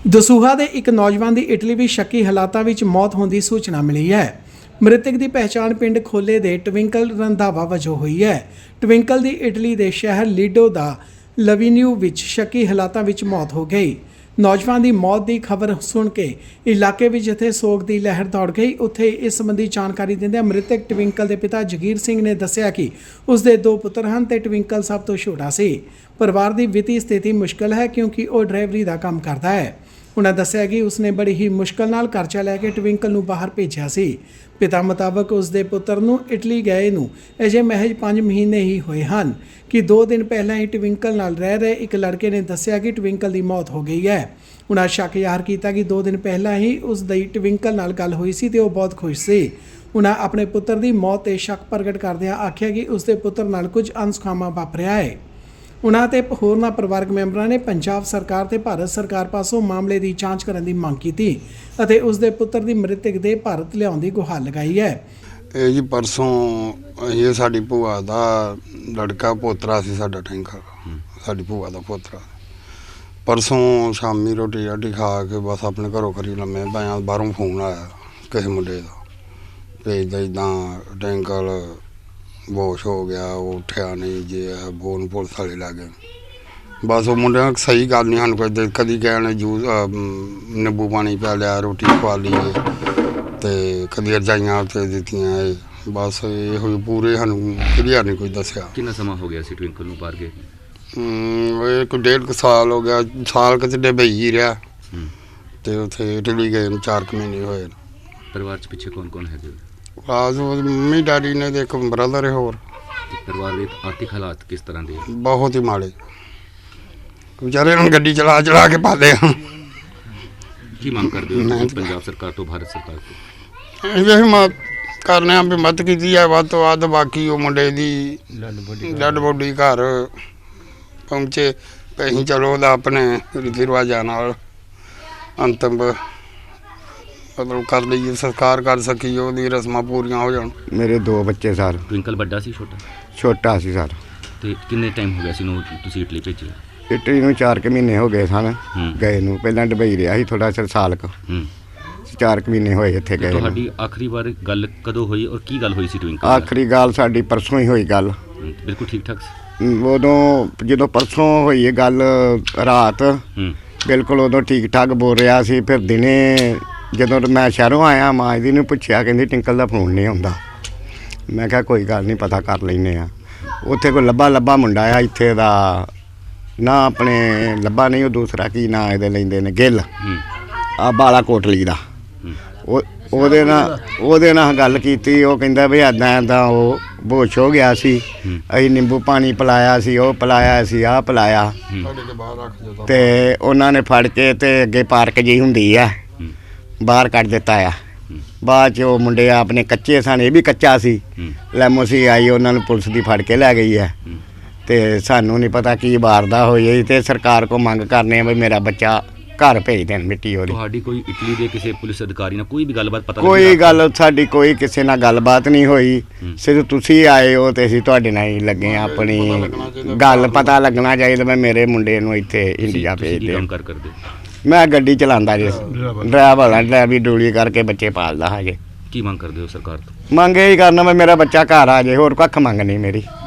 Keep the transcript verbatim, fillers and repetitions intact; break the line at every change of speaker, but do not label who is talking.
ਦਸੂਹਾ ਦੇ ਇੱਕ ਨੌਜਵਾਨ ਦੀ ਇਟਲੀ ਵਿੱਚ ਸ਼ੱਕੀ ਹਾਲਾਤਾਂ ਵਿੱਚ ਮੌਤ ਹੋਣ ਦੀ ਸੂਚਨਾ ਮਿਲੀ ਹੈ। ਮ੍ਰਿਤਕ ਦੀ ਪਹਿਚਾਣ ਪਿੰਡ ਖੋਲੇ ਦੇ ਟਵਿੰਕਲ ਰੰਧਾਵਾ ਵਜੋਂ ਹੋਈ ਹੈ। ਟਵਿੰਕਲ ਦੀ ਇਟਲੀ ਦੇ ਸ਼ਹਿਰ ਲੀਡੋ ਦਾ ਲਵੀਨਿਊ ਵਿੱਚ ਸ਼ੱਕੀ ਹਾਲਾਤਾਂ ਵਿੱਚ ਮੌਤ ਹੋ ਗਈ। ਨੌਜਵਾਨ ਦੀ ਮੌਤ ਦੀ ਖਬਰ ਸੁਣ ਕੇ ਇਲਾਕੇ ਵਿੱਚ ਜਿੱਥੇ ਸੋਗ ਦੀ ਲਹਿਰ ਦੌੜ ਗਈ, ਉੱਥੇ ਇਸ ਸੰਬੰਧੀ ਜਾਣਕਾਰੀ ਦਿੰਦਿਆਂ ਮ੍ਰਿਤਕ ਟਵਿੰਕਲ ਦੇ ਪਿਤਾ ਜਗੀਰ ਸਿੰਘ ਨੇ ਦੱਸਿਆ ਕਿ ਉਸ ਦੇ ਦੋ ਪੁੱਤਰ ਹਨ ਤੇ ਟਵਿੰਕਲ ਸਭ ਤੋਂ ਛੋਟਾ ਸੀ। ਪਰਿਵਾਰ ਦੀ ਵਿੱਤੀ ਸਥਿਤੀ ਮੁਸ਼ਕਲ ਹੈ ਕਿਉਂਕਿ ਉਹ ਡਰਾਈਵਰੀ ਦਾ ਕੰਮ ਕਰਦਾ ਹੈ। उन्हें दसिया कि उसने बड़ी ही मुश्किल नाल कर्जा लैके ट्विंकल नूं बाहर भेजा सी। पिता मुताबक उसके पुत्र नूं इटली गए नूं अजे महज पाँच महीने ही होए हैं कि दो दिन पहला ही ट्विंकल नाल रह रहे एक लड़के ने दसिया कि ट्विंकल की मौत हो गई है। उन्हें शक ज़ाहिर किया कि दो दिन पहला ही उसकी ट्विंकल नाल गल हुई सी ते वो बहुत खुश सी। उन्हें अपने पुत्र की मौत ते शक प्रगट करदिआं आखिया कि उसके पुत्र नाल कुछ अनसुखावा वापरिआ है। उन्हां ते होरनां परिवारक मैंबरां ने पंजाब सरकार ते भारत सरकार पासों मामले की जांच करने की मांग की अते उसके पुत्र की मृतक देह भारत लियाउण दी गुहार लगाई है।
ਇਹ ਜੀ ਪਰਸੋਂ ਇਹ ਸਾਡੀ ਭੂਆ ਦਾ ਲੜਕਾ ਪੋਤਰਾ ਸੀ ਸਾਡਾ ਟੈਂਕਰ, ਸਾਡੀ ਭੂਆ ਦਾ ਪੋਤਰਾ। ਪਰਸੋਂ ਸ਼ਾਮੀ ਰੋਟੀ ਰਾਟੀ ਖਾ ਕੇ ਬਸ ਆਪਣੇ ਘਰੋਂ ਘਰੀ ਲੰਮੇ ਪਿਆ, ਬਾਹਰੋਂ ਫੋਨ ਆਇਆ ਕਿਸੇ ਮੁੰਡੇ ਦਾ ਭੇਜਦਾ ਇੱਦਾਂ ਟੈਂਕਰ ਬੋਸ਼ ਹੋ ਗਿਆ, ਉਹ ਉੱਠਿਆ ਨਹੀਂ ਜੇ ਬੋਨ ਪੁਲਿਸ ਵਾਲੇ ਲੱਗ ਗਏ। ਬਸ ਉਹ ਮੁੰਡਿਆਂ ਸਹੀ ਗੱਲ ਨਹੀਂ ਸਾਨੂੰ ਕੋਈ ਕਦੀ ਕਹਿਣ ਜੂਸ ਨਿੰਬੂ ਪਾਣੀ ਪਿਆ ਲਿਆ, ਰੋਟੀ ਖਵਾ ਲਈ ਅਤੇ ਕਦੀ ਰਜਾਈਆਂ ਉੱਤੇ ਦਿੱਤੀਆਂ। ਬਸ ਇਹ ਹੋਈ ਪੂਰੇ ਸਾਨੂੰ ਕਲੀਅਰ ਨਹੀਂ ਕੋਈ ਦੱਸਿਆ।
ਕਿੰਨਾ ਸਮਾਂ ਹੋ ਗਿਆ ਸੀ ਟਵਿੰਕਲ ਨੂੰ ਬਾਹਰ ਗਏ?
ਇਹ ਕੋਈ ਡੇਢ ਕੁ ਸਾਲ ਹੋ ਗਿਆ, ਸਾਲ ਕਿਤੇ ਡੁਬਈ ਹੀ ਰਿਹਾ ਅਤੇ ਉੱਥੇ ਇਟਲੀ ਗਏ ਨੂੰ ਚਾਰ ਕੁ ਮਹੀਨੇ ਹੋਏ।
ਪਰਿਵਾਰ 'ਚ ਪਿੱਛੇ ਕੌਣ ਕੌਣ ਹੈਗੇ?
ਬਸ ਮੰਮੀ ਡੈਡੀ ਨੇ ਤੇ ਇੱਕ ਬ੍ਰਦਰ ਹੈ ਹੋਰ।
ਪਰਿਵਾਰ ਦੇ ਆਰਥਿਕ ਹਾਲਾਤ ਕਿਸ ਤਰ੍ਹਾਂ ਦੇ?
ਬਹੁਤ ਹੀ ਮਾੜੇ, ਵਿਚਾਰੇ ਨੂੰ ਗੱਡੀ ਚਲਾ ਚਲਾ ਕੇ ਪਾਲੇ ਆ।
ਕੀ ਮੰਗ ਕਰਦੇ ਹੋ ਪੰਜਾਬ ਸਰਕਾਰ ਤੋਂ, ਭਾਰਤ ਸਰਕਾਰ ਤੋਂ?
ਇਹ ਮੈਂ ਕਰਨੇ ਆ ਵੀ ਮਦਦ ਕੀਤੀ ਹੈ ਵੱਧ ਤੋਂ ਵੱਧ। ਬਾਕੀ ਉਹ ਮੁੰਡੇ ਦੀ ਡੈਡ ਬੋਡੀ ਘਰ ਪਹੁੰਚੇ ਤੇ ਅਸੀਂ ਚਲੋ ਉਹਦਾ ਆਪਣੇ ਰੀਤੀ ਰਿਵਾਜ਼ਾਂ ਨਾਲ ਅੰਤਿਮ ਮਤਲਬ ਕਰ ਲਈਏ, ਸੰਸਕਾਰ ਕਰ ਸਕੀਏ, ਉਹਦੀ ਰਸਮਾਂ ਪੂਰੀਆਂ ਹੋ ਜਾਣ।
ਮੇਰੇ ਦੋ ਬੱਚੇ ਸਰ।
ਟਵਿੰਕਲ ਵੱਡਾ ਸੀ ਛੋਟਾ? ਛੋਟਾ
ਸੀ ਸਰ।
ਤੇ ਕਿੰਨੇ ਟਾਈਮ ਹੋ ਗਿਆ ਸੀ ਨੂੰ ਤੁਸੀਂ ਇਟਲੀ ਭੇਜਿਆ?
ਇਟਲੀ ਨੂੰ ਚਾਰ ਕੁ ਮਹੀਨੇ ਹੋ ਗਏ ਸਨ ਗਏ ਨੂੰ। ਪਹਿਲਾਂ ਦੁਬਈ ਰਿਹਾ ਸੀ ਥੋੜਾ ਚਿਰ, ਸਾਲ ਕੁ ਚਾਰ ਕੁ ਮਹੀਨੇ ਹੋਏ ਇੱਥੇ ਗਏ।
ਤੁਹਾਡੀ ਆਖਰੀ ਵਾਰ ਗੱਲ ਕਦੋਂ ਹੋਈ ਔਰ ਕੀ ਗੱਲ ਹੋਈ ਸੀ ਟਵਿੰਕਲ?
ਆਖਰੀ ਗੱਲ ਸਾਡੀ ਪਰਸੋਂ ਹੀ ਹੋਈ ਗੱਲ।
ਬਿਲਕੁਲ ਠੀਕ ਠਾਕ ਸੀ
ਉਦੋਂ? ਜਦੋਂ ਪਰਸੋਂ ਹੋਈ ਇਹ ਗੱਲ ਰਾਤ ਬਿਲਕੁਲ ਉਦੋਂ ਠੀਕ ਠਾਕ ਬੋਲ ਰਿਹਾ ਸੀ। ਫਿਰ ਦਿਨੇ ਜਦੋਂ ਮੈਂ ਸ਼ਹਿਰੋਂ ਆਇਆ ਮਾਂ ਜੀ ਨੂੰ ਪੁੱਛਿਆ, ਕਹਿੰਦੀ ਟਿੰਕਲ ਦਾ ਫੋਨ ਨਹੀਂ ਆਉਂਦਾ। ਮੈਂ ਕਿਹਾ ਕੋਈ ਗੱਲ ਨਹੀਂ, ਪਤਾ ਕਰ ਲੈਂਦੇ ਆ। ਉੱਥੇ ਕੋਈ ਲੱਭਾ ਲੱਭਾ ਮੁੰਡਾ ਆ ਇੱਥੇ ਦਾ ਨਾ, ਆਪਣੇ ਲੱਭਾ ਨਹੀਂ ਉਹ ਦੂਸਰਾ ਕੀ ਨਾਂ ਇਹਦੇ ਲੈਂਦੇ ਨੇ, ਗਿੱਲ ਆ ਬਾਲਾ ਕੋਟਲੀ ਦਾ। ਉਹ ਉਹਦੇ ਨਾਲ ਉਹਦੇ ਨਾਲ ਗੱਲ ਕੀਤੀ। ਉਹ ਕਹਿੰਦਾ ਵੀ ਇੱਦਾਂ ਇੱਦਾਂ ਉਹ ਬੋਸ਼ ਹੋ ਗਿਆ ਸੀ, ਅਸੀਂ ਨਿੰਬੂ ਪਾਣੀ ਪਿਲਾਇਆ ਸੀ, ਉਹ ਪਿਲਾਇਆ ਸੀ, ਆਹ ਪਿਲਾਇਆ ਅਤੇ ਉਹਨਾਂ ਨੇ ਫੜ ਕੇ ਅਤੇ ਅੱਗੇ ਪਾਰਕ ਜਿਹੀ ਹੁੰਦੀ ਆ ਬਾਹਰ ਕੱਢ ਦਿੱਤਾ ਆ। ਬਾਅਦ 'ਚ ਉਹ ਮੁੰਡੇ ਆਪਣੇ ਕੱਚੇ ਸਨ, ਇਹ ਵੀ ਕੱਚਾ ਸੀ। ਲੈਮੋਸੀ ਆਈ, ਉਹਨਾਂ ਨੂੰ ਪੁਲਿਸ ਦੀ ਫੜ ਕੇ ਲੈ ਗਈ ਹੈ ਅਤੇ ਸਾਨੂੰ ਨਹੀਂ ਪਤਾ ਕੀ ਵਾਰਦਾ ਹੋਈ। ਅਤੇ ਸਰਕਾਰ ਕੋਲ ਮੰਗ ਕਰਨੇ ਆ ਵੀ ਮੇਰਾ ਬੱਚਾ ਘਰ ਭੇਜ ਦੇਣ ਮਿੱਟੀ ਉਹਦੀ।
ਤੁਹਾਡੀ ਕੋਈ ਇਟਲੀ ਦੇ ਕਿਸੇ ਪੁਲਿਸ ਅਧਿਕਾਰੀ ਨਾਲ ਕੋਈ ਵੀ ਗੱਲਬਾਤ ਪਤਾ?
ਕੋਈ ਗੱਲ ਸਾਡੀ ਕੋਈ ਕਿਸੇ ਨਾਲ ਗੱਲਬਾਤ ਨਹੀਂ ਹੋਈ। ਸਿਰਫ ਤੁਸੀਂ ਆਏ ਹੋ ਅਤੇ ਅਸੀਂ ਤੁਹਾਡੇ ਨਾਲ ਹੀ ਲੱਗੇ ਹਾਂ। ਆਪਣੀ ਗੱਲ ਪਤਾ ਲੱਗਣਾ ਚਾਹੀਦਾ। ਮੈਂ ਮੇਰੇ ਮੁੰਡੇ ਨੂੰ ਇੱਥੇ ਇੰਡੀਆ ਭੇਜ ਦਿਓ।
ਕਰ ਕਰਦੇ
ਮੈਂ ਗੱਡੀ ਚਲਾਉਂਦਾ ਜੀ, ਡਰਾਈਵਰ ਹਾਂ, ਡਰਾਈਵਰੀ ਡੂਲੀ ਕਰਕੇ ਬੱਚੇ ਪਾਲਦਾ ਹਜੇ।
ਕੀ ਮੰਗ ਕਰਦੇ ਹੋ ਸਰਕਾਰ ਤੋਂ?
ਮੰਗ ਇਹ ਹੀ ਕਰਨਾ ਮੈਂ ਮੇਰਾ ਬੱਚਾ ਘਰ ਆ ਜਾਏ, ਹੋਰ ਕੱਖ ਮੰਗ ਨਹੀਂ ਮੇਰੀ।